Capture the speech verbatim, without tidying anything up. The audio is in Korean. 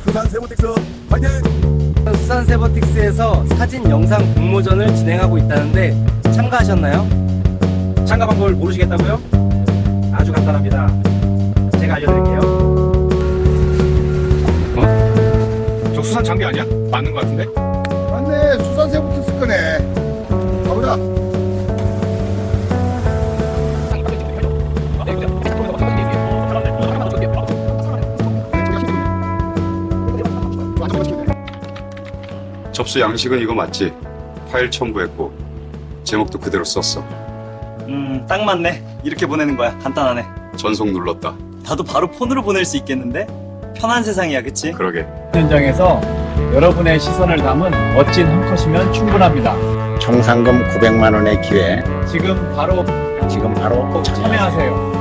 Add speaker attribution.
Speaker 1: 수산 세모틱스 파이팅!
Speaker 2: 수산 세버틱스에서 사진 영상 공모전을 진행하고 있다는데 참가하셨나요?
Speaker 3: 참가 방법을 모르시겠다고요? 아주 간단합니다. 제가 알려드릴게요.
Speaker 4: 어? 저 수산 장비 아니야? 맞는 거 같은데?
Speaker 1: 맞네, 수산 세모틱스 거네. 가보자.
Speaker 5: 접수 양식은 이거 맞지? 파일 첨부했고 제목도 그대로 썼어.
Speaker 6: 음, 딱 맞네. 이렇게 보내는 거야. 간단하네.
Speaker 5: 전송 눌렀다.
Speaker 6: 나도 바로 폰으로 보낼 수 있겠는데? 편한 세상이야, 그치?
Speaker 5: 그러게.
Speaker 7: 현장에서 여러분의 시선을 담은 멋진 한 컷이면 충분합니다.
Speaker 8: 총 상금 구백만 원의 기회
Speaker 7: 지금 바로
Speaker 8: 지금 바로
Speaker 7: 참여하세요.